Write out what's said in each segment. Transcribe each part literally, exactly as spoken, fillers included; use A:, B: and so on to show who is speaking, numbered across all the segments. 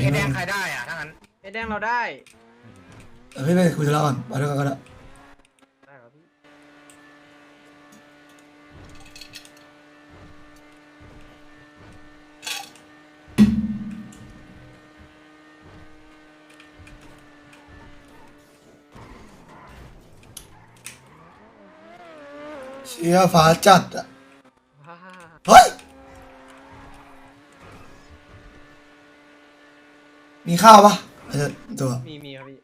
A: ไอ้แดงใครได้อ่ะถ้างั้น
B: ไอ้แดงเราได้
C: เออพี่ไปคุยธุระก่อนไปด้วยกันก็ได้
B: ได้ครับพี่
C: เชียร์ฟ้าจัดอ่ะ
B: ว้า
C: เฮ้ยมีข้าวปะอาจจะตัว
B: มีมีครับพี่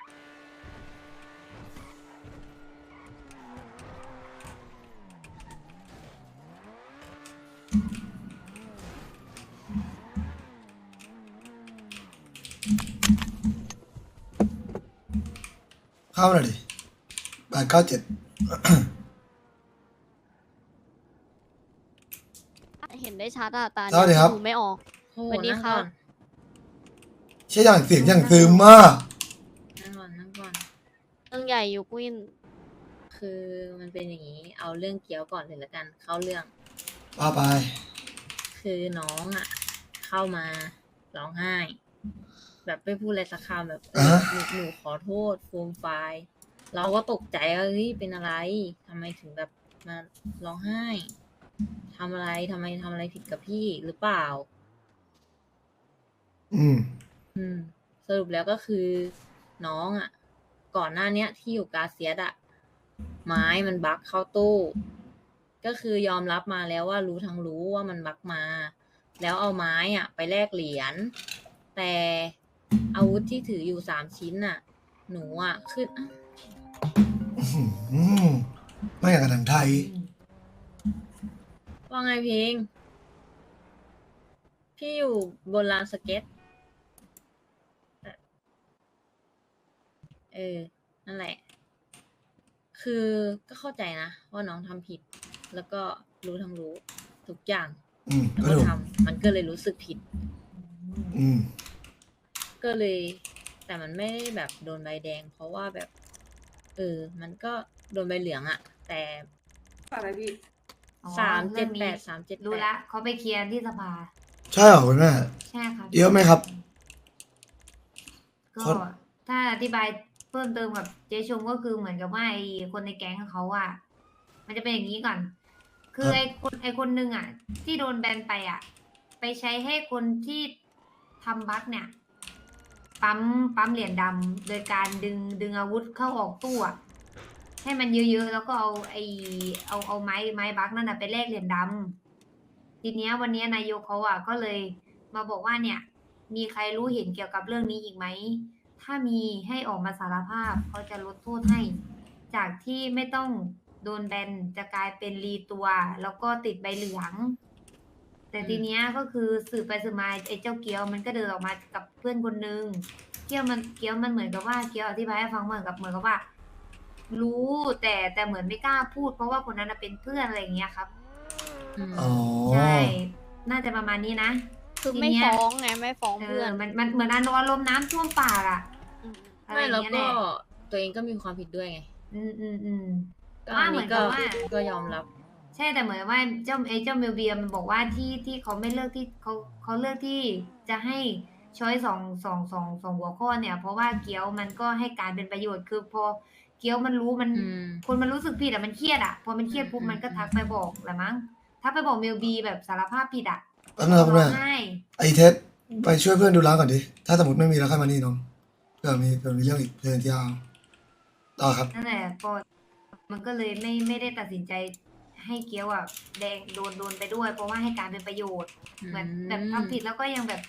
C: ข้าวหน่อยดิแปดเก้าเจ็ด
D: เห็นได้ชัดอะตา
C: สวัสดีครับ
D: ดูไม่ออก
E: โอ้
D: สวัสดี
E: นั่ง
D: ครั
E: ก่
D: บ
E: อน
C: เชี่ยอย่างเสียงอย่างซึมมาก
E: นั่งก่อนนั่งก่อน
D: เรื่องใหญ่อยู่กุ้ยน
E: คือมันเป็นอย่างนี้ เอาเรื่องเกี๊ยวก่อนเลยละกัน เข้าเรื่อง
C: ว่าไป
E: คือน้องอ่ะ เข้ามาร้องไห้ แบบไม่พูดอะไรสักคำแบบเออ
C: อ่ะ
E: หนูหนูขอโทษฟูมไฟล์เราก็ตกใจว่าเฮ้ยเป็นอะไรทำไมถึงแบบมาร้องไห้ทำอะไรทำไมทำอะไรผิดกับพี่หรือเปล่า
C: อืม
E: อืม สรุปแล้วก็คือน้องอ่ะ ก่อนหน้าเนี้ย ที่อยู่กาเซียสอ่ะ ไม้มันบั๊กเข้าตู้ ก็คือยอมรับมาแล้วว่ารู้ทั้งรู้ว่ามันบั๊กมา แล้วเอาไม้อ่ะ ไปแลกเหรียญแต่อาวุธที่ถืออยู่สามชิ้นอ่ะ หนูอ่ะขึ้นอ่ะ
C: อืมไม่อย่างกับหนังไทย
E: ว่าไงเพลงพี่อยู่บนลานสเก็ต เออ นั่นแหละ คือก็เข้าใจนะว่าน้องทำผิด แล้วก็รู้ทั้งรู้ ทุกอย่าง
C: อืม
E: แล้ว
C: ก็
E: ก็
C: ถูก
E: ทำมันก็เลยรู้สึกผิด
C: อืม
E: ก็เลย แต่มันไม่ได้แบบโดนใบแดง เพราะว่าแบบ เออ มันก็โดนใบเหลืองอะแต่
F: อะไรพี่
G: อ๋อ
E: สามเจ็ด
G: รื่อง
E: แป
G: นี้
E: ดสามเจ็ด
G: รู้
E: แป
G: ละ
E: ด
G: เขาไปเคลียร์ที่สภา
C: ใช่เหรอคุณแม่
G: ใช่ครับ
C: เยอะไหมครับ
G: ก็
C: คน
G: ถ้าอธิบายเพิ่มเติมกับเจ๊ชมก็คือเหมือนกับว่าไอ้คนในแก๊งของเขาอ่ะ มันจะเป็นอย่างนี้ก่อน คือไอ้คนไอ้คนหนึ่งอ่ะ ที่โดนแบนไปอ่ะ ไปใช้ให้คนที่ทำบั๊กเนี่ย ปั๊มปั๊มเหรียญดำโดยการดึงดึงอาวุธเข้าออกตู้อะให้มันเยอะๆแล้วก็เอาไอเอาเอาไม้ไม้บั๊กนั่นน่ะไปแลกเหรียญดำทีเนี้ยวันเนี้ยนายกเขาอ่ะก็เลยมาบอกว่าเนี่ย มีใครรู้เห็นเกี่ยวกับเรื่องนี้อีกไหม ถ้ามีให้ออกมาสารภาพเขาจะลดโทษให้ จากที่ไม่ต้องโดนแบนจะกลายเป็นรีตัว แล้วก็ติดใบเหลือง แต่ทีเนี้ยก็คือสืบไปสืบมาไอ้เจ้าเกียวมันก็เดินออกมากับเพื่อนคนนึงเกียวมันเกียวมันเหมือนกับว่าเกียวอธิบายให้ฟังเหมือนกับเหมือนกับว่า รู้แต่แต่เหมือนไม่กล้าพูด เพราะว่าคนนั้นนะเป็นเพื่อนอะไรอย่างเงี้ยครับ
E: อืม
C: อ๋อ
G: ใช่ น่าจะประมาณนี้นะ
D: คือไม่
G: ทีเนี้ย
D: ฟ้องไงไม่ฟ้อง
G: เอ
D: เพื่อ
G: อน มันมันเหมือนอารมณ์น้ำท่วมปากอะ
D: อืม
G: อะไร
E: ไม่
G: อย่าง
E: แล้ว
G: เงี้ย
E: ก็
G: แหละ
E: ตัวเองก็มีความผิดด้วยไง
G: อืมอืมอืม
E: ก็
G: ว่า
E: อัน
G: เหมื
E: นี้
G: อน
E: ก็
G: กับว่า
E: ก็ยอมรับ
G: ใช่แต่เหมือนว่าเจ้าไอ้เจ้าเมลเบียมันบอกว่าที่ที่เขาไม่เลือกที่เขาเขาเลือกที่จะให้ช้อยสองสองสองสองหัวข้อเนี่ย เพราะว่าเกี๊ยวมันก็ให้การเป็นประโยชน์คือพอเกี๊ยวมันรู้มัน
E: อืม
G: คนมันรู้สึกผิดอะมันเครียดอะพอมันเครียดปุ๊บ
E: อืม
G: มันก็ทักไปบอกแหละมั้งถ้าไปบอกเมลบีแบบสารภาพผิดอะ
C: แป๊บนึงครับคุณ
G: ร้
C: แม่
G: องไห้
C: ไอเทสไปช่วยเพื่อนดูร้านก่อนดิ ถ้าสมมติไม่มีแล้วค่อยมานี่น้องเผื่อมีเผื่อมีเรื่องอีกเพื่อนที่เอาต่อครับ
G: นั่นแหละพอมันก็เลยไม่ไม่ได้ตัดสินใจให้เกี๊ยวอะแดงโดนโดนไปด้วย เพราะว่าให้การเป็นประโยชน์ เหมือนแบบทำผิดแล้วก็ยังแบบ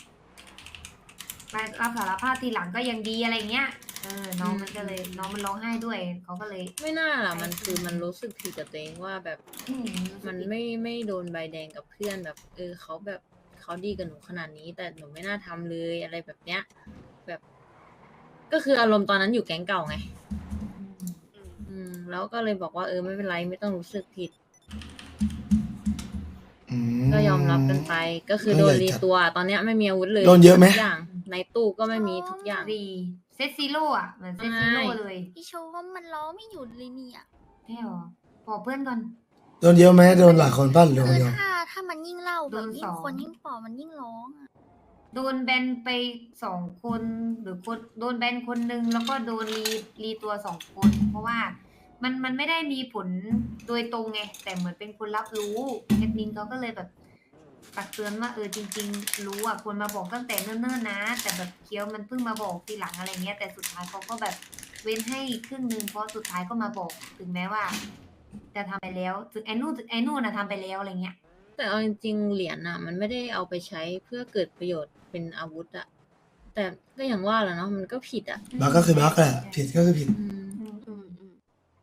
G: มารับสารภาพทีหลังก็ยังดีอะไรเงี้ย เออ น้องมันก็เลย น้องมันร้องไห้ด้วย เขาก็เลย
E: ไม่น่าล่ะ มันคือมันรู้สึกผิดกับตัวเองว่าแบบ
G: อืม
E: มันไม่ไม่โดนใบแดงกับเพื่อนแบบ เออเขาแบบเขาดีกับหนูขนาดนี้ แต่หนูไม่น่าทำเลยอะไรแบบเนี้ย แบบ ก็คืออารมณ์ตอนนั้นอยู่แก๊งเก่าไง อืม แล้วก็เลยบอกว่าเออไม่เป็นไรไม่ต้องรู้สึกผิด
C: อืม
E: ก็ยอมรับกันไป ก็คือโดนรีตัว ตอนเนี้ยไม่มีอาวุธเลย
C: โดนเยอะไหม
E: ทุกอย่าง ในตู้ก็ไม่มีทุกอย่าง
G: ดีเซตซีโร่อะเหมือนเซตซีโร่เลย
D: พี่โชว์ว่ามันร้องไม่หยุดเลยเนี่ย
G: แค่หรอบอกเพื่อนก่อน
C: โดนเยอะไหมโดนหลายคนปั้นหรือคน
D: คือ
C: เดียว
D: ถ้าถ้ามันยิ่งเล่า
G: โด
D: แบบ
G: น
D: ยิ่
G: ส
D: ง
G: อง
D: คนยิ่งปอบมันยิ่งร้องอะ
G: โดนแบนไปสองคนหรือคนโดนแบนคนหนึ่งแล้วก็โดนรีรีตัวสองคน เพราะว่ามันมันไม่ได้มีผลโดยตรงไง แต่เหมือนเป็นคนรับรู้แอดมินเขาก็เลยแบบตักเตือนว่าเออจริง ๆ รู้อ่ะควรมาบอกตั้งแต่เนิ่นๆนะ แต่แบบเคี้ยวมันเพิ่งมาบอกทีหลังอะไรเงี้ยแต่สุดท้ายเขาก็แบบเว้นให้ครึ่งหนึ่งเพราะสุดท้ายก็มาบอกถึงแม้ว่า จะทำไปแล้วถึงไอ้นู่นไอ้นู่นนะทำไปแล้วอะไรเงี้ย
E: แต่เอาจริงๆเหรียญอ่ะ มันไม่ได้เอาไปใช้เพื่อเกิดประโยชน์เป็นอาวุธอ่ะ แต่ก็อย่างว่าแหละเนาะมันก็ผิดอ่ะ
C: บักก็คือบักแหละผิดก็คือผิด
E: อืม
D: อืมอืมอืม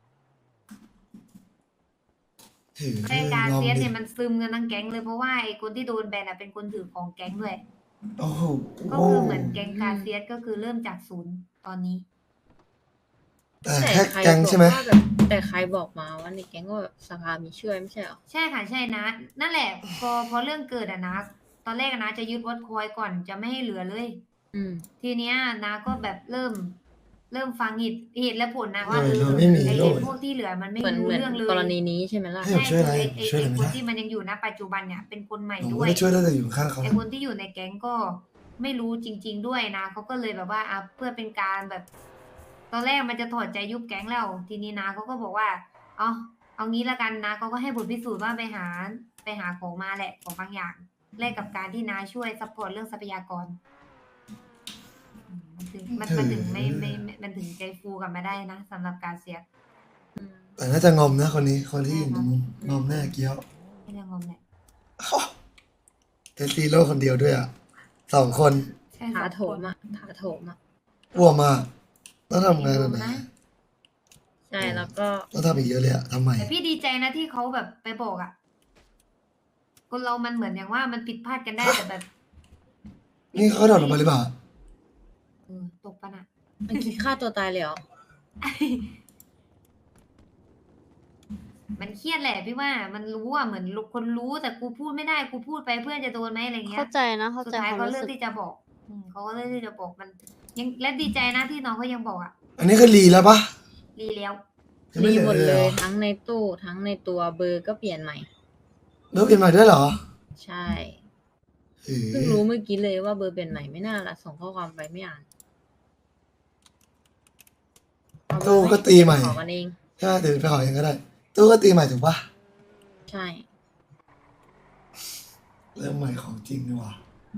C: ถือ
G: แต่การ
C: งอม
G: เซียส
C: ดิ
G: เนี่ยมันซึมกันทั้งแก๊งเลยเพราะว่าไอ้คนที่โดนแบนอะเป็นคนถือของแก๊งด้วย
C: โอ้โห
G: ก็คือเหมือนแก๊งการเซียสก็คือเริ่มจากศูนย์ตอนนี้
C: แต่
E: แต่
C: แค่
E: ใคร
C: แก๊ง
E: บอก
C: ใช่ไหม
E: ว่าแบบแต่ใครบอกมาว่าในแก๊งก็แบบสภามีช่วยไม่ใช่เหรอ
G: ใช่ค่ะใช่นะ นั่นแหละ พอพอเรื่องเกิดอะนะ ตอนแรกอะนะจะยึดวัดคอยก่อนจะไม่ให้เหลือเลย
E: อืม
G: ทีเนี้ยนะก็แบบเริ่ม เริ่มฟังเหตุเหตุและผลนะว่า
C: เอ
G: เอ
C: อ
G: อ
C: โดยไม่มี
G: ไอ้
C: โล
G: ไอ้
C: ด
G: พวกที่เหลือมันไม่
E: เหมือน
G: รู้
E: เหมือน
G: เรื่องเลย
E: กรณีนี้ใช่ไหมล่ะ
C: ให้ผม
G: ใช่
C: ช่วยอะไร
G: คือไอ้
C: ช่วย
G: ไอ้
C: อะไร
G: ไอ้
C: ไม่
G: คน
C: ได้
G: ที่มันยังอยู่นะปัจจุบันเนี่ยเป็นคนใหม่
C: ผม
G: ด้ว
C: ไม่
G: ย
C: ได้ช่วยได้แต่อยู่ข้างเขา
G: ไอคนที่อยู่ในแก๊งก็ไม่รู้จริง ๆ ด้วยนะเขาก็เลยแบบว่าอ่ะเพื่อเป็นการแบบ ตอนแรกมันจะถอดใจยุบแก๊งแล้วทีนี้นะเขาก็บอกว่า เอาเอางี้ละกันนะเขาก็ให้บทพิสูจน์ว่าไปหาไปหาของมาแหละของบางอย่างแลกกับการที่นาช่วยซัพพอร์ตเรื่องทรัพยากรอืมมันถึงมันมันถึงไม่ไม่ไม่มันถึงใจฟูกลับมาได้นะสำหรับการเสีย
C: แต่น่าจะงอมนะคนนี้คนที่อยู่ในมุมงอมแน่เกี้ยว
G: ไม่ได้งอมแหละ
C: เทสซีโร่คนเดียวด้วยอ่ะสองคน
G: ใช่
E: ถา
G: สอง
E: โถ
G: คน
E: มอ่ะถาโถมอ่ะ
C: อ้วมมากต้องทำไงแบบไหน
G: นะ
E: ใช่แล้วก็
C: ต้องทำอีกเยอะเลยอ่ะทำไม
G: แต่พี่ดีใจนะที่เขาแบบไปบอกอ่ะคนเรามันเหมือนอย่างว่ามันผิดพลาดกันได้แต่แบบ
C: นี่เขาโดดลงไปหรือเปล่า
G: เออตกปะน่ะ
E: มันคิดฆ่าตัวตายเลยเหรอ
G: มันเครียดแหละพี่ว่ามันรู้อ่ะเหมือนคนรู้แต่กูพูดไม่ได้กูพูดไปเพื่อนจะโดนไหมอะไรเงี้ย
D: เข้าใจนะเข้า
G: สุด
D: ใจ
G: ท้าย
D: ความ
G: เขา
D: รู้
G: เลือก
D: สึก
G: ที่จะบอก อืมเขาก็เลือกที่จะบอกมัน ยังและดีใจนะที่น้องเขายังบอกอ่ะ
C: อันนี้คือรีแล้วปะ
G: รีแล้ว
C: ยังไม่
E: รี
C: เหลือ
E: หมด
C: เลย
E: เล
C: เหร
E: ย
C: อ
E: ทั้งในตู้ทั้งในตัวเบอร์ก็เปลี่ยนใหม่
C: เลิกเปลี่ยนใหม่ด้วยเหรอ
E: ใช่
C: เฮ้ย
E: เพิ่งรู้เมื่อกี้เลยว่าเบอร์เปลี่ยนใหม่ไม่น่าละส่งข้อความไปไม่อ่านเอาเบอ
C: ตู้
E: ร์ไหม
C: ก็ตีใหม่
E: ขอกันเอง
C: ใช่เดี๋ยวไปขอเองก็ได้ตู้ก็ตีใหม่ถูกปะ
E: ใช่
C: เริ่มใหม่ของจริงดีกว่า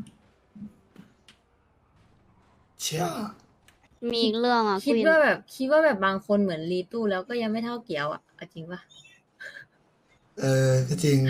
C: เชี่ย
D: มีอีกเรื่องอ่ะ
E: คิด
D: วิน
E: ว่าแบบคิดว่าแบบบางคนเหมือนรีตู้แล้วก็ยังไม่เท่าเกียวอ่ะเอาจริงปะ
C: เออก็จริง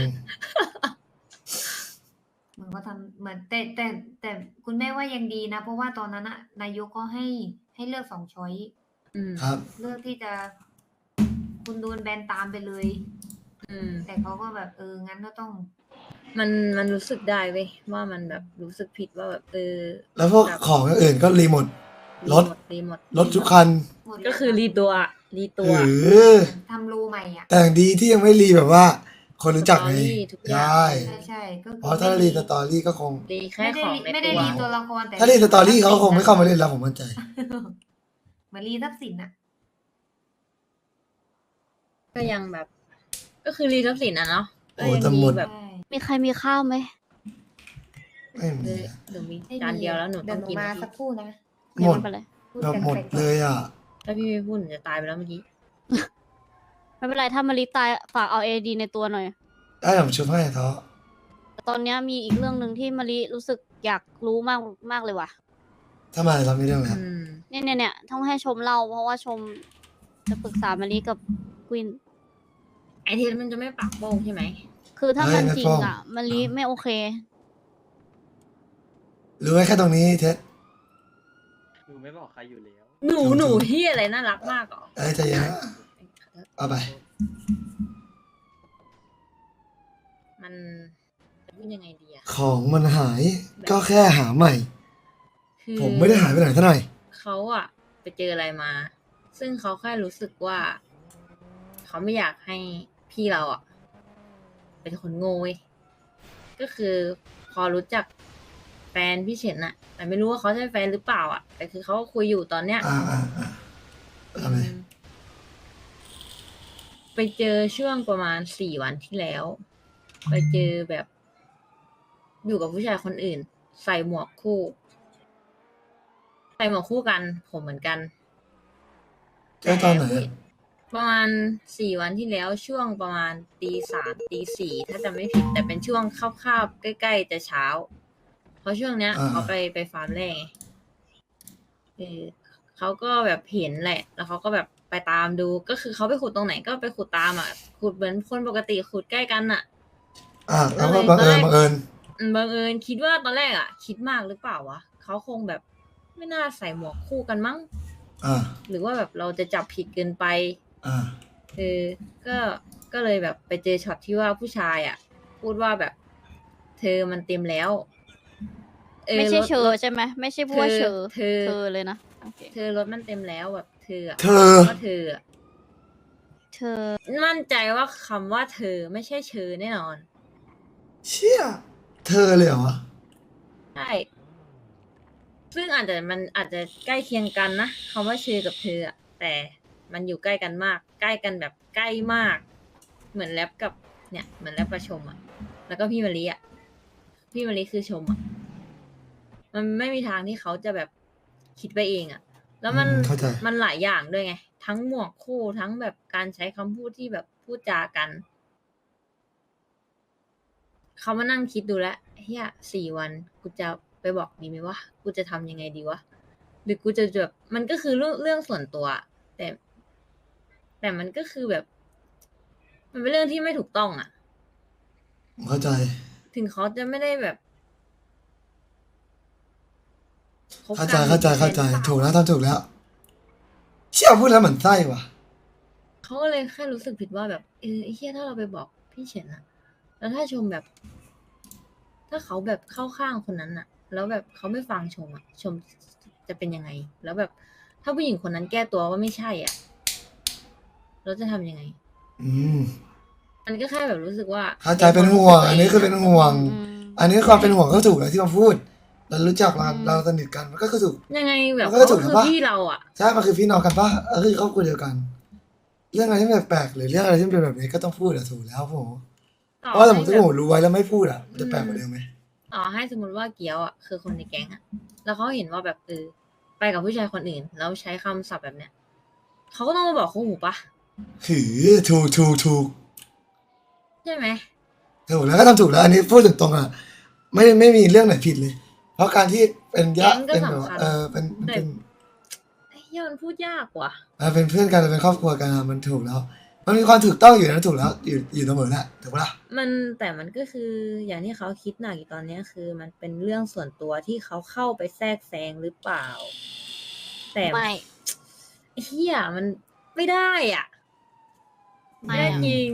G: เหมือนเขาทำเหมือนแต่แต่แต่คุณแม่ว่ายังดีนะ เพราะว่าตอนนั้นอะนายกก็ให้ให้เลือกสองช้อย
E: อืม
C: ครับ
G: เลือกที่จะคุณโดนแบนตามไปเลย
E: อืม
G: แต่เขาก็แบบเอองั้นก็ต้อง
E: มันมันรู้สึกได้เว้ยว่ามันแบบรู้สึกผิดว่าแบบเออ
C: แล้วพวกของอย่างอื่นก็รีหมด รถ
E: รีหมด
C: รถทุกคัน
G: หมดเลย
E: ก็คือรีตัวอะรีตัว
C: เออ
G: ทำรูใหม่อ่ะ
C: แต่อย่างดีที่ยังไม่รีแบบว่า คนรู้จักไง
E: สตอรี่ทุกอย่าง
C: ใช่
G: ใช่ใช่ก็คือ
C: เพราะถ้ารีสตอรี่ก็คง
E: รีแค่
G: ไม่ได้
E: ของ
G: รี
E: ใน
G: ไม่ได้
E: ตัว
G: รีตัวละครแต่
C: ถ้ารีสตอรี่เขาคงไม่เข้ามาเล่นแล้วผมมั่นใจ
G: เหมือนรีทรัพย์สินอ่ะ
E: ก็ยังแบบ ก็คือรีทรัพย์สินอะเนาะ
C: โอ้
E: ก็ยัง
C: แต่หมด
E: แบบ
G: ใช่
D: มีใครมีข้าวไหม
C: ไม่
E: เอ
C: มี
E: อหนูมีจานเดียวแล้วหนู
G: เดี๋
E: ต้
G: ย
E: อ
G: ว
E: ง
G: หนู
E: กิน
G: มา
E: พี่
G: สักครู่นะ
C: หมด
D: ไปเลย
G: พูด
C: แบบ
G: กัน
C: หมด
G: ไปก่อน
C: เลยอ่ะ
E: ถ้าพี่ไม่พูดหนูจะตายไปแล้วเมื่อกี้
D: ไม่เป็นไรถ้ามาริตายฝากเอาเอดีในตัวหน่อย
C: ได้ผมช่วยให้ท้อ
D: ตอนเนี้ยมีอีกเรื่องหนึ่งที่มาริรู้สึกอยากรู้มากมากเลยว่ะ
C: ถ้ามาเรามีเรื่องอะไร
E: อืม
D: เนี่ยเนี่ยเนี่ยต้องให้ชมเล่าเพราะว่าชมจะปรึกษามาริกับกวิน
E: ไอทีมันจะไม่ปากโป้งใช่ไหม
D: คือถ้ามันจริงอ่ะมาริไม่โอเค
C: รู้ไว้แค่ตรงนี้เท็ด
B: หนูไม่บอกใครอยู่แล้ว
E: หนูหนูที่อะไรน่ารักมากเหรอ
C: เอ้ยใจเย็นนะเอาไป
E: มันจะพูดยังไงดีอะ
C: ของมันหาย ก็แค่หาใหม่
E: คือ
C: ผมไม่ได้หายไปไหนเท่าไหร่
E: เขาอะไปเจออะไรมา ซึ่งเขาแค่รู้สึกว่า เขาไม่อยากให้พี่เราอะเป็นคนโง่เว้ยก็คือพอรู้จักแฟนพี่เฉินอะแต่ไม่รู้ว่าเขาใช่แฟนหรือเปล่าอะแต่คือเขาก็คุยอยู่ตอนเนี้ย
C: อ่าอ่าอ่าทำไม
E: ไปเจอช่วงประมาณสี่วันที่แล้ว ไปเจอแบบ อยู่กับผู้ชายคนอื่นใส่หมวกคู่ ใส่หมวกคู่กัน ผมเหมือนกัน
C: เจอตอนไหน
E: ผู้
C: อะ
E: ประมาณสี่วันที่แล้วช่วงประมาณตีสามตีสี่ถ้าจะไม่ผิด แต่เป็นช่วงคาบๆใกล้ๆจะเช้า เพราะช่วงเนี้ย
C: อ่า
E: เขาไปไปฟาร์มแร่ไงเออเขาก็แบบเห็นแหละ แล้วเขาก็แบบไปตามดู ก็คือเขาไปขุดตรงไหนก็ไปขุดตามอ่ะ ขุดเหมือนคนปกติขุดใกล้กันอ่ะ
C: อ่าแล้วก็บังเอิญบังเอิญ
E: อืมบังเอิญคิดว่าตอนแรกอ่ะ คิดมากหรือเปล่าวะเขาคงแบบไม่น่าใส่หมวกคู่กันมั้ง
C: อ่า
E: หรือว่าแบบเราจะจับผิดเกินไป
C: อ่า
E: เออก็ก็เลยแบบไปเจอช็อตที่ว่าผู้ชายอ่ะ พูดว่าแบบ เธอมันเต็มแล้วเออ
D: ไม่ใช่
E: รถ
D: เชอ
E: รถ
D: ใช่ไหมไม่ใช่พูดว่าเชอ
E: เธอ
D: เธอเลยนะโอเค
E: เธอรถมันเต็มแล้วแบบเธออะ
C: เธอ
E: ว่าเธออะ
D: เธอ
E: มั่นใจว่าคำว่าเธอไม่ใช่เชอแน่นอน
C: เชี่ยเธอเลยเหรอวะ
E: ใช่ ซึ่งอาจจะมันอาจจะใกล้เคียงกันนะคำว่าเชอกับเธออะแต่มันอยู่ใกล้กันมาก ใกล้กันแบบใกล้มาก เหมือนแรปกับเนี่ย เหมือนแรปกับชมอะแล้วก็พี่มะลิอะพี่มะลิคือชมอะมันไม่มีทางที่เขาจะแบบคิดไปเองอะแล้วมัน
C: อืมเข้าใจ
E: มันหลายอย่างด้วยไง ทั้งหมวกคู่ทั้งแบบการใช้คำพูดที่แบบพูดจากัน เขามานั่งคิดดูแล้วเฮียสี่วันกูจะไปบอกดีไหมวะกูจะทำยังไงดีวะหรือกูจะแบบมันก็คือเรื่องเรื่องส่วนตัว แต่ แต่มันก็คือแบบ มันเป็นเรื่องที่ไม่ถูกต้องอ่ะ
C: ผมเข้าใจ
E: ถึงเขาจะไม่ได้แบบคบ
C: เข้า
E: กั
C: ใจ
E: น
C: เข้าใจเข้าใจ
E: หรือ
C: ถูกแล้วทำถูกแล้ว เชี่ยพูดแล้วเหมือนไส้ว่ะ
E: เขาก็เลยแค่รู้สึกผิดว่าแบบเออไอ้เฮียถ้าเราไปบอกพี่เฉินอะแล้วถ้าชมแบบ ถ้าเขาแบบเข้าข้างคนนั้นอะแล้วแบบเขาไม่ฟังชมอะชมจะเป็นยังไง แล้วแบบ ถ้าผู้หญิงคนนั้นแก้ตัวว่าไม่ใช่อ่ะเราจะทำยังไง
C: อืม
E: มันก็แค่แบบรู้สึกว่า
C: เข้าใจเป็นห่วง อันนี้คือเป็นห่วง
D: อืม
C: อันนี้ความเป็นห่วงก็ถูกแล้วที่มาพูด เรารู้จักเรา
D: อืม
C: เราสนิทกันมันก็คือถูก
E: ยังไงแบบ
C: มันก็
E: เขา
C: ถูก
E: คือ
C: นะปะ
E: พี่เราอ่ะ
C: ใช่ มันคือพี่น้องกันปะเออคือครอบครัวเดียวกัน เรื่องอะไรที่แปลกๆหรือเรื่องอะไรที่เป็นแบบนี้ก็ต้องพูดอะถูกแล้วผม
E: ต่อ
C: เพราะว่าสมม
E: ให้
C: ติ
E: แบ
C: ถ้า
E: บ
C: ผมรู้ไว้แล้วไม่พูดอะมันจะแปลกกว่าเดิมไหม
E: ต่อให้สมมติว่าเกียวอ่ะคือคนในแก๊งอ่ะ แล้วเขาเห็นว่าแบบเออไปกับผู้ชายคนอื่น แล้วใช้คำศัพท์แบบเนี้ยเขาก็ต้องมาบอกคู่หูปะ
C: หือถูกถูกถูก
E: ใช่ไหม
C: ถูกแล้วก็ทำถูกแล้ว อันนี้พูดตรงๆอะไม่ไม่มีเรื่องไหนผิดเลย เพราะการที่เป็นญาติเป็นแบบว่าเออเป็นเป็น
E: ไอ้เหี้ยมันพูดยากว่ะ
C: เออเป็นเพื่อนกันเป็นครอบครัวกันอะมันถูกแล้ว มันมีความถูกต้องอยู่นะถูกแล้วอยู่อยู่เสมอแหละถูกปะล่ะ
E: มันแต่มันก็คืออย่างที่เขาคิดหนักอยู่ตอนเนี้ยคือมันเป็นเรื่องส่วนตัวที่เขาเข้าไปแทรกแซงหรือเปล่า แต่
D: ไม่
E: เฮียมันไม่ได้อ่ะ
D: ไม่
E: ไม่ได้
D: อะ
E: จริง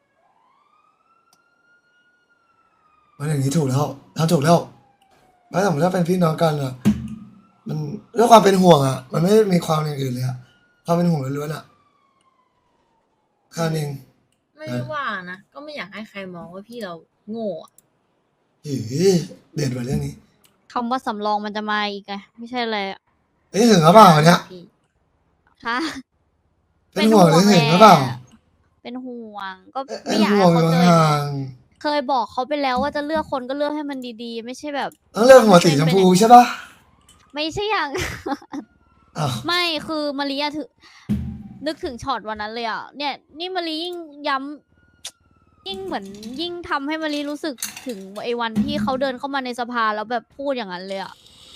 C: มันอย่างนี้ถูกแล้วทำถูกแล้วแล้วสมมติถ้าเป็นพี่น้องกันอะมันเรื่องความเป็นห่วงอะมันไม่ได้มีความอย่างอื่นเลยอะความเป็นห่วงล้วนๆอะแค่นั้นเอง
E: ไม่ได้ว่านะ ก็ไม่อยากให้ใครมองว่าพี่เราโง่อะ
C: หือเด่นกว่าเรื่องนี้
D: คำว่าสำรองมันจะมาอีกไงไม่ใช่เลยอะ
C: เอ้ยถึงหรือเปล่าเนี่ย
E: พี่
D: ฮะ
C: เป็นห่วงหรือถึงหรือเปล่า
D: เป็นห่วงก็
C: เอ้ย
D: ไม่
C: เป็น
D: อยาก
C: ห่ว
D: ให้
C: งอ
D: เขา
C: ยู่
D: เจอ
C: ห่าง
D: เคยบอกเขาไปแล้วว่าจะเลือกคนก็เลือกให้มันดีๆ ไม่ใช่แบบ
C: ๆต้องเลือกหัวสีชมพูใช่ปะ
D: ไม่ใช่อย่าง
C: อ้าว
D: ไม่คือมารีอะถือนึกถึงช็อตวันนั้นเลยอ่ะเนี่ย นี่มารียิ่งย้ำยิ่งเหมือนยิ่งทำให้มารีรู้สึกถึงไอ้วันที่เขาเดินเข้ามาในสภาแล้วแบบพูดอย่างนั้นเลยอ่ะ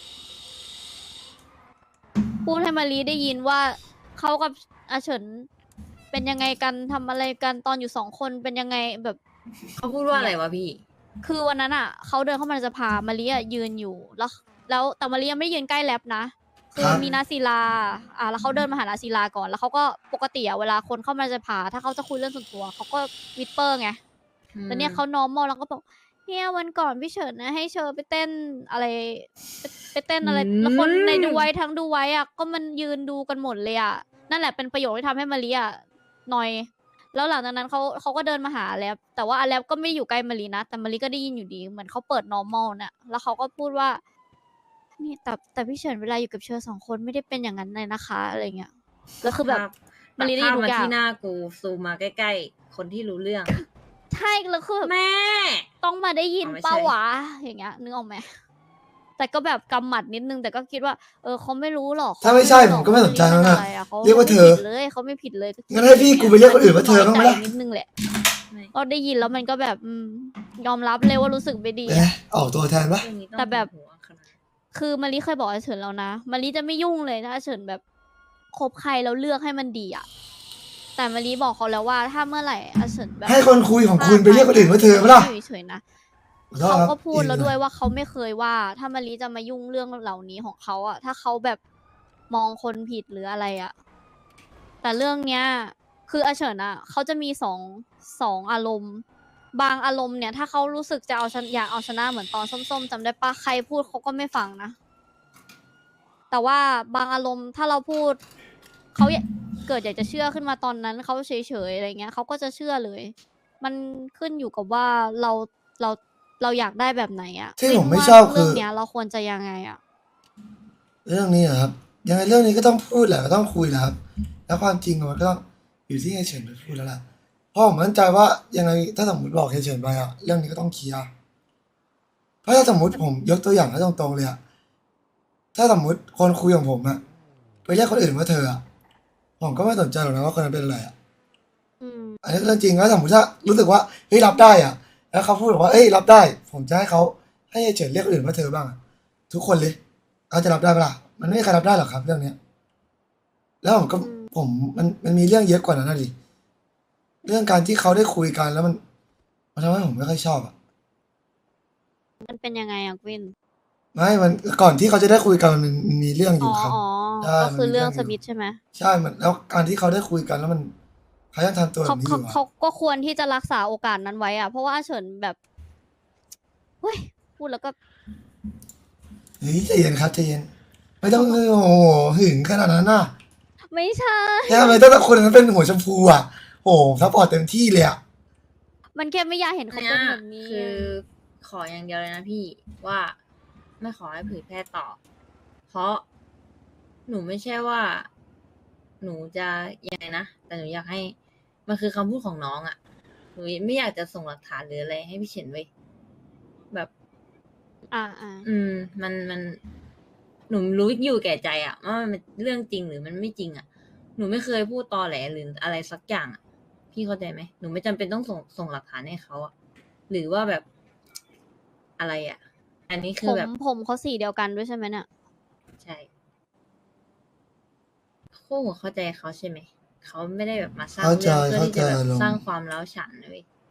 D: พูดให้มารีได้ยินว่าเขากับอาเฉินเป็นยังไงกันทำอะไรกันตอนอยู่สองคนเป็นยังไงแบบ
E: เขาพูดว่าอะไรวะพี่
D: คือวันนั้นอ่ะเขาเดินเข้ามาในสภามารีอะยืนอยู่แล้ว แล้วแต่มารียังไม่ได้ยืนใกล้แล็บนะคือมีนาศิลาอ่าแล้วเขาเดินมาหานาศิลาก่อนแล้วเขาก็ปกติอะเวลาคนเข้ามาในสภาถ้าเขาจะคุยเรื่องส่วนตัวเขาก็วิสเปอร์ไง
E: อืม
D: แต่เนี่ยเขานอร์มอลแล้วก็บอกเนี่ยวันก่อนพี่เฉินนะให้เชอไปเต้นอะไรไปไปเต้นอะไรแล้วคนในดูไว้ทั้งดูไว้อะก็มันยืนดูกันหมดเลยอะนั่นแหละเป็นประโยคที่ทำให้มารีอะนอย แล้วหลังจากนั้นเขาเขาก็เดินมาหาแล็บแต่ว่าอาแล็บก็ไม่ได้อยู่ใกล้มารีนะแต่มารีก็ได้ยินอยู่ดีเหมือนเขาเปิด normal เนี่ยแล้วเขาก็พูดว่านี่แต่แต่พี่เฉินเวลาอยู่กับเชอสองคนไม่ได้เป็นอย่างนั้นเลยนะคะอะไรเงี้ยแล้วคือแบบ
E: ภาพ
D: มารีได้
E: ภา
D: ยิ
E: พ
D: นทุ
E: มาก
D: อย่าง
E: ที่หน้ากูซูมมาใกล้ๆ คนที่รู้เรื่อง
D: ใช่แล้วคือแบบ
E: แม่
D: ต้องมาได้ยิน
E: อ๋อไม่ใช่
D: เป้าวะอย่างเงี้ยนึกออกไหมแต่ก็แบบกำหมัดนิดนึงแต่ก็คิดว่าเออเขาไม่รู้หรอก
C: ถ้าไม่ใช่ผมก็ไม่สนใจแล้วนะเรียกว่าเธอ
D: ขไม่ผิดเลยเขาไม่ผิดเลย
C: งั้นให้พี่กูไปเรียกคนอื่นว่าเธอบ้างไหมล่ะ
D: นิดนึงแหละ
E: ไม่
D: ก็ได้ยินแล้วมันก็แบบอืมยอมรับเลยว่ารู้สึกไม่ดี
C: เอ๊ะ
D: อะ
C: ออกตัวแทนปะ
E: เรื่องนี้ต้อง
D: แต่แบบ
E: หัวขนาด
D: คือมารีเคยบอกอาเฉินแล้วนะมารีจะไม่ยุ่งเลยถ้าอาเฉินแบบคบใครแล้วเลือกให้มันดีอะแต่มารีบอกเขาแล้วว่าถ้าเมื่อไหร่อาเฉินแบบ
C: ให้คนคุยของคุณไปเรียกคนอื่นว่าเธอปะล่ะ
D: อยู่เฉยๆนะ
C: ขอโทษ
D: เขา
C: ครับ
D: ก็พูดแล้ว
C: อีก
D: ด้วยว่าเขาไม่เคยว่า ถ้ามารีจะมายุ่งเรื่องเหล่านี้ของเขาอะถ้าเขาแบบมองคนผิดหรืออะไรอะแต่เรื่องเนี้ย คืออาเฉินอะเขาจะมีสองสองอารมณ์ บางอารมณ์เนี่ย ถ้าเขารู้สึกจะเอาชนะอยากเอาชนะเหมือนตอนส้มๆจำได้ปะใครพูดเขาก็ไม่ฟังนะ แต่ว่าบางอารมณ์ถ้าเราพูดเขาอยากเกิดอยากจะเชื่อขึ้นมาตอนนั้นเขาเฉยๆอะไรเงี้ยเขาก็จะเชื่อเลย มันขึ้นอยู่กับว่าเราเราเราอยากได้แบบไหนอะ
C: ที่ผมไม่
D: ว่า
C: ชอบ
D: เรื่
C: คือ
D: เนี้ย เราควรจะยังไงอะ
C: เรื่องนี้อะครับยังไงเรื่องนี้ก็ต้องพูดแหละก็ต้องคุยแหละครับ แล้วความจริงมันก็ต้องอยู่ที่เฮยเฉินไปพูดแล้วล่ะเพราะผมมั่นใจว่ายังไงถ้าสมมติบอกเฮยเฉินไปอะเรื่องนี้ก็ต้องเคลียร์เพราะถ้าสมมติผมยกตัวอย่างให้ตรงๆเลยอะถ้าสมมติคนคุยของผมอะไปเรียกคนอื่นว่าเธออะผมก็ไม่สนใจหรอกนะว่าคนนั้นเป็นอะไรอะ
D: อืม
C: อันนี้เรื่องจริงแล้วสมมติถ้ารู้สึกว่าเฮ้ยรับได้อะแล้วเขาพูดบอกว่าเอ้ยรับได้ ผมจะให้เขาให้เฮยเฉินเรียกคนอื่นว่าเธอบ้างอะทุกคนเลยเขาจะรับได้ปะล่ะมันไม่มีใครรับได้หรอกครับ เรื่องเนี้ย แล้วผมก็
D: อืม
C: ผมมันมันมีเรื่องเยอะกว่านั้นนะดิเรื่องการที่เขาได้คุยกันแล้วมันมันทำให้ผมไม่ค่อยชอบอ่ะ
D: มันเป็นยังไงอะกวิน
C: ไม่มันก่อนที่เขาจะได้คุยกันมันมันมีเรื่องอ
D: อ๋อยู่
C: ครับ
D: อ๋อ
C: ใช่
D: ก็คือ
C: มันมี
D: เรื่อง
C: เรื่องอยู่
D: สมิธใช่ไหม
C: ใช่มันแล้วการที่เขาได้คุยกันแล้วมันเขายังทำตัวแบ
D: เขา
C: บนี้อ
D: เขา
C: ยู่
D: เขา
C: อะ
D: ก็ควรที่จะรักษาโอกาสนั้นไว้อะเพราะว่าอาเฉินแบบเฮ้ยพูดแล้วก็
C: เฮ้ยใจเย็นครับใจเย็นไม่ต้องโอ้โหหึงขนาดนั้นน่ะ
D: ไม่ใช่
C: แค่ทำไมต้องคนนั้นเป็นหัวชมพูอ่ะโอ้โหซัพพอร์ตเต็มที่เลยอ่ะ
D: มันแค่ไม่อยากเห็นเขา
E: เนี่
D: เป็น
E: ย
D: แบบนี้
E: คือขออย่างเดียวเลยนะพี่ว่าไม่ขอให้เผยแพร่ต่อ เพราะหนูไม่ใช่ว่า หนูจะยังไงนะแต่หนูอยากให้ มันคือคำพูดของน้องอะ่ะหนูไม่อยากจะส่งหลักฐานหรืออะไรให้พี่เฉินไว้ยแบบ
D: อ่าอ่า
E: อืม มันมัน หนูรู้อยู่แก่ใจอะว่ามันเป็นเรื่องจริงหรือมันไม่จริงอะหนูไม่เคยพูดตอแหลหรืออะไรสักอย่างอะพี่เข้าใจไหมหนูไม่จำเป็นต้องส่งส่งหลักฐานให้เขาอะหรือว่าแบบอะไรอะอันนี้คื
D: ผ
E: อ
D: ม
E: แบบ
D: ผมเขาสีเดียวกันด้วยใช่ไหมเนี่ย
E: ใช่คู่หัวเข้าใจเขาใช่ไหมเขาไม่ได้แบบมาสร้าง
C: เข้าใจ
E: เรื่องเพื่อที่จะแบบ
C: เข้าใจลง
E: สร้างความร้าวฉานเลย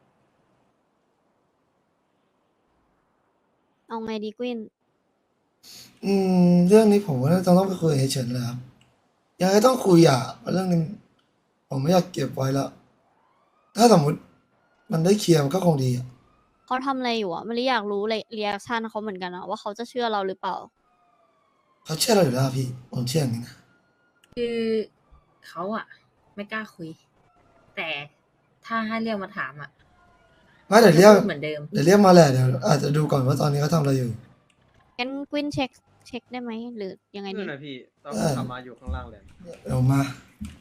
D: เอาไงดีกวิน
C: อืมเรื่องนี้ผมว่าต้องต้องไปคุยกับเฮยเฉินเลยครับยังไงต้องคุยอ่ะเพราะเรื่องนี้ผมไม่อยากเก็บไว้แล้ว ถ้าสมมติมันได้เคลียร์มันก็คงดีอ่ะ
D: เขาทำอะไรอยู่อะไม่ได้อยากรู้เลยเรีแอคชั่นเขาเหมือนกันอะว่าเขาจะเชื่อเราหรือเปล่า
C: เขาเชื่อเราอยู่แล้วพี่ผมเชื่ออย่างนี้นะ
E: คือเขาอะไม่กล้าคุย แต่ถ้าให้เรียกมาถามอะ
C: ไม่เดี๋ยวเรียก
E: พูดเหมือนเดิม
C: เดี๋ยวเรียกมาแหละเดี๋ยวอาจจะดูก่อนว่าตอนนี้เขาทำอะไรอยู่
D: งั้นกวินเช็คเช็คได้ไหมหรือยังไงดี
B: นั่นนะพี่ต้อง
C: เออ
B: ขับมาอยู่ข้างล่างเลย
C: เดี๋ยวมา